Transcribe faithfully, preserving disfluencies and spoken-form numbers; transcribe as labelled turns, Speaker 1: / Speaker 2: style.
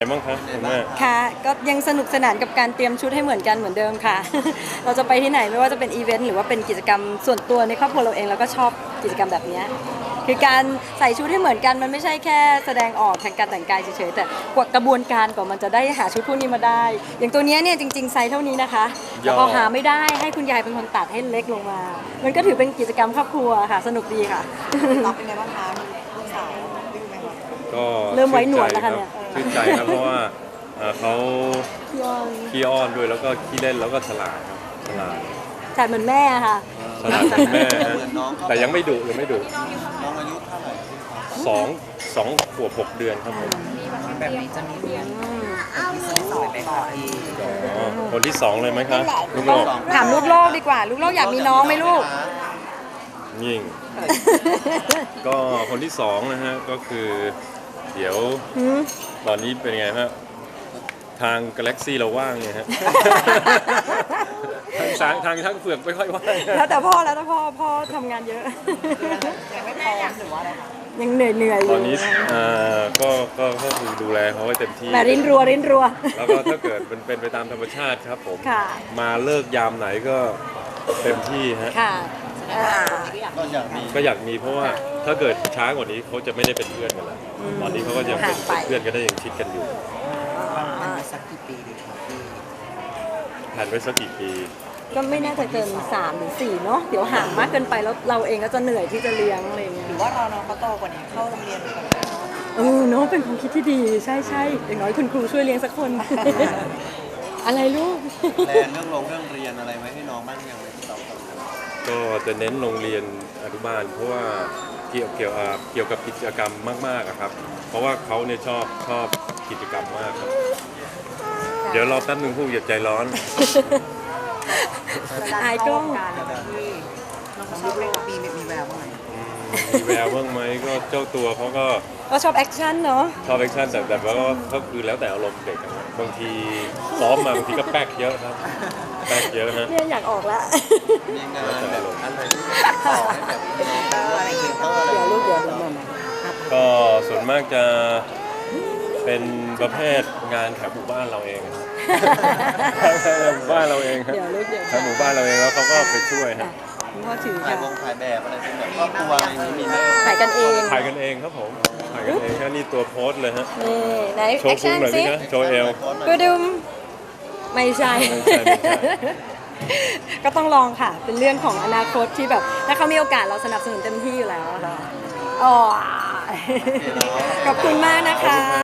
Speaker 1: ไงบ้างคะคุณแม่
Speaker 2: ค่ะก็ยังสนุกสนานกับการเตรียมชุดให้เหมือนกันเหมือนเดิมค่ะ เราจะไปที่ไหนไม่ว่าจะเป็นอีเวนต์หรือว่าเป็นกิจกรรมส่วนตัวในครอบครัวเราเองเราก็ชอบกิจกรรมแบบนี้คือการใส่ชุดให้เหมือนกันมันไม่ใช่แค่แสดงออกทางการแต่งกายเฉยๆแต่กว่ากระบวนการกว่ามันจะได้หาชุดพวกนี้มาได้ อย่างตัวนี้เนี่ยจริงๆไซส์เท่านี้นะคะแต่พอหาไม่ได้ให้คุณยายเป็นคนตัดให้เล็กลงมา มันก็ถือเป็นกิจกรรมครอบครัวค่ะสนุกดีค่ะ
Speaker 3: ตอบเป็นไงบ้างคะลูกสาวดื้อไหมคะ
Speaker 1: ก็
Speaker 2: เริ่มไว้หนวดแล้วค่ะเนี่ย
Speaker 1: ชื่นใจครับเพราะว่าเอ่อเขาขี้อ้อนด้วยแล้วก็ขี้เล่นแล้วก็ฉลาดครับฉลาด
Speaker 2: ฉลาดเหมือนแม่ค่ะ
Speaker 1: ฉลาดเหมือนแม่ฮะแต่ยังไม่ดุยังไม่ดุ
Speaker 3: น้องอายุเท่าไหร่
Speaker 1: สองสองขวบหกเดือนครับผม
Speaker 3: แบบนี้จะมีเรียนคนที่สองไปก่อนอีก
Speaker 1: อ๋อคนที่สองเลยไหมคะลูกโลก
Speaker 2: ถามลูกโลกดีกว่าลูกโลกอยากมีน้องไหมลูก
Speaker 1: ยิ่งก็คนที่สองนะฮะก็คือเดี๋ยวตอนนี้เป็นไงฮะทางกาแล็กซี่เราว่างไงฮะทางสางทางช่างเฟือกไม่ค่อยว่าง
Speaker 2: แล้วแต่พ่อแล้วแต่พ่อพ่อทำงานเยอะ
Speaker 3: ยังไม่พร้อมหรือว่าอะไรคะ
Speaker 2: ยังเหนื่อยเหนื่อยอยู่
Speaker 1: ตอนนี้อ่าก็ก็ก็คือดูแลเขาให้เต็มที่
Speaker 2: แต่รินรัวรินรัว
Speaker 1: แล้วก็ถ้าเกิดมันเป็นไปตามธรรมชาติครับผมมาเลิกยามไหนก็เต็มที่ฮะ
Speaker 2: ค่ะ
Speaker 3: ก็อยากมี
Speaker 1: ก็อยากมีเพราะว่าถ้าเกิดช้ากว่านี้เขาจะไม่ได้เป็นเพื่อนกันแล้วตอนนี้เขาก็ยังเป็นเพื่อนกันได้ยังชิดกันอยู่
Speaker 3: สักกี่ปีดีครับพี่
Speaker 1: แผนไว้สักกี่ปี
Speaker 2: ก็ไม่น่าจะเกินสามหรือสี่เนาะเดี๋ยวห่างมากเกินไปแล้วเราเองก็จะเหนื่อยที่จะเลี้ยงอะไรเงี้ย
Speaker 3: หรือว่าเราน้องเขาโตกว่านี้เข้าโรงเรียนก่อน
Speaker 2: เออเนาะเป็นความคิดที่ดีใช่ใช่อย่างน้อยคุณครูช่วยเลี้ยงสักคนอะไรลูก
Speaker 3: แลนเรื่องลงเรื่องเรียนอะไรไว้ให้น้องบ้างยังไงที่เรา
Speaker 1: ก็จะเน้นโรงเรียนอนุบาลเพราะว่าเกี่ยวเกี่ยวเกี่ยวกับกิจกรรมมากๆครับ เพราะว่าเขาเนี่ยชอบชอบกิจกรรมมากครับเดี๋ยวรอแป๊บนึงพูดอย่าใจร้อน
Speaker 2: อายกล้อง
Speaker 3: น้องชอบเล่นมีมีแววบ้างไหม
Speaker 1: มีแววบ้างไหมก็เจ้าตัวเขาก็
Speaker 2: ก็ชอบแอคชั่นเนาะ
Speaker 1: ชอบแอคชั่นแต่แต่ว่าก็คือแล้วแต่อารมณ์เด็กบางทีซ้อมมาบางทีก็แป๊กเยอะครับแป๊กเยอะนะ
Speaker 2: เนี่ยอยากออกละ
Speaker 3: มีงานแบบอะไรที่ต่อให้แบบอะไรเงี้ย
Speaker 2: เดี๋ยวลูกเดี๋ยวเดี๋ยวมา
Speaker 1: ก็ส่วนมากจะเป็นประเภทงานแถวหมู่บ้านเราเองแถวหมู่บ้านเราเองครับแถวหมู่บ้านเราเองแล้วเขาก็ไปช่วยฮะ
Speaker 2: พ่อถือ
Speaker 3: ถ่ายวงถ่ายแบบอะไรเป็นแบบครอบครัวอะไรนี้มีไหม
Speaker 2: ถ่ายกันเอง
Speaker 1: ถ่ายกันเองครับผมถ่ายกันเองแค่นี้ตัวโพสเลยฮะ
Speaker 2: นี่ไหน
Speaker 1: โชว์พุงหน่อยสิโชว์เอว
Speaker 2: ก็ดุมไม่ใช่ก็ต้องลองค่ะเป็นเรื่องของอนาคตที่แบบถ้าเขามีโอกาสเราสนับสนุนเต็มที่อยู่แล้วค่ะอ๋อขอบคุณมากนะคะ